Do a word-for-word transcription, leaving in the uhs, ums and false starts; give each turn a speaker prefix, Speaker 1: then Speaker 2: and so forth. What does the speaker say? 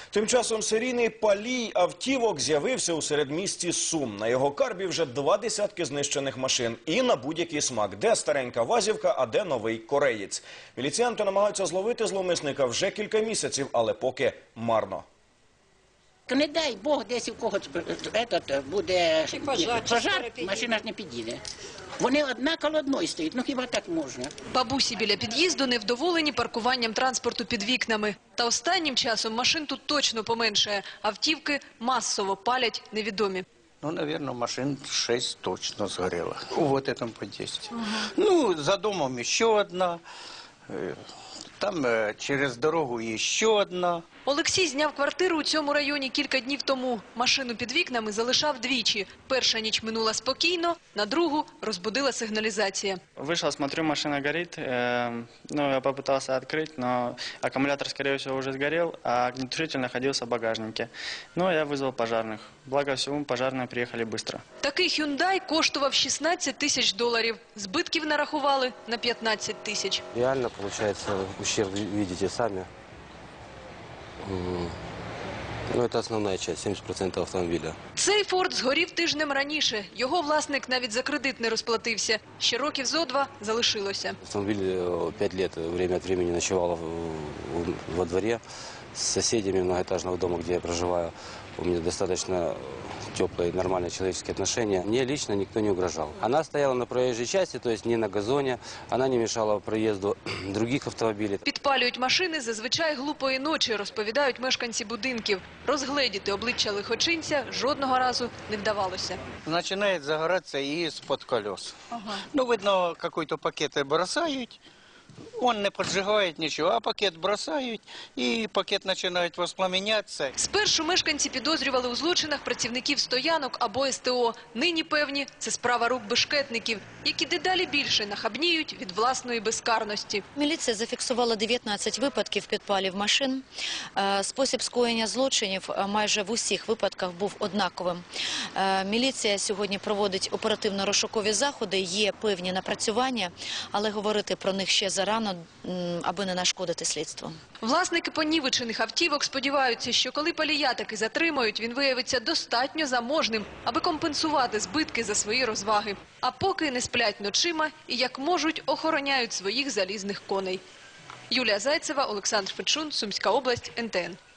Speaker 1: Тим часом серійний палій автівок з'явився у середмісті Сум. На його карбі вже два десятки знищених машин. І на будь-який смак. Де старенька вазівка, а де новий кореєць. Міліціянти намагаються зловити зловмисника вже кілька місяців, але поки марно.
Speaker 2: Не дай Бог, десь у когось этот, буде
Speaker 3: пожар,
Speaker 2: пожар, машина ж не підійде. Вони одна коло одної стоять, ну хіба так можна?
Speaker 4: Бабусі біля під'їзду невдоволені паркуванням транспорту під вікнами. Та останнім часом машин тут точно поменшає. Автівки масово палять невідомі.
Speaker 5: Ну, наверное, машин шесть точно сгорело. Вот этом подъезде. Угу. Ну, за домом еще одна. Там через дорогу ще одна.
Speaker 4: Олексій зняв квартиру у цьому районі кілька днів тому. Машину під вікнами залишав двічі. Перша ніч минула спокійно, на другу розбудила сигналізація.
Speaker 6: Вышел, смотрю, машина горит. Э, ну, я попытался открыть, но аккумулятор, скорее всего, уже сгорел, а огнетушитель находился в багажнике. Ну, я вызвал пожарных. Благо всему, пожарные приехали быстро.
Speaker 4: Такий «Хюндай» коштував шістнадцять тисяч доларів. Збитків нарахували на п'ятнадцять тисяч.
Speaker 7: Реально, получается, ущерб видите сами. Ну, це основна частина, сімдесят відсотків автомобіля.
Speaker 4: Цей «Форд» згорів тижнем раніше. Його власник навіть за кредит не розплатився. Ще років зо два залишилося.
Speaker 7: Автомобіль п'ять років время від времени ночував во дворі з сусідами многоэтажного дому, де я проживаю. У меня достаточно теплые, нормальные человеческие отношения. Мне лично никто не угрожал. Она стояла на проезжей части, то есть не на газоне. Она не мешала проезду других автомобилей.
Speaker 4: Підпалюють машини зазвичай глупої ночі, розповідають мешканці будинків. Розгледіти обличчя лихочинця жодного разу не вдавалося.
Speaker 5: Начинает загораться и из-под колес. Ага. Ну, видно, какой-то пакет бросают. Он не поджигает ничего, а пакет бросають, і пакет починає воспламенятися.
Speaker 4: Спершу мешканці підозрювали у злочинах працівників стоянок або ес те о. Нині певні, це справа рук бешкетників, які дедалі більше нахабніють від власної безкарності.
Speaker 8: Міліція зафіксувала дев'ятнадцять випадків підпалів машин. Спосіб скоєння злочинів майже в усіх випадках був однаковим. Міліція сьогодні проводить оперативно-розшукові заходи, є певні напрацювання, але говорити про них ще зарано, аби не нашкодити слідству.
Speaker 4: Власники понівечених автівок сподіваються, що коли палія таки затримають, він виявиться достатньо заможним, аби компенсувати збитки за свої розваги. А поки не сплять ночима і, як можуть, охороняють своїх залізних коней. Юлія Зайцева, Олександр Фечун, Сумська область, ен те ен.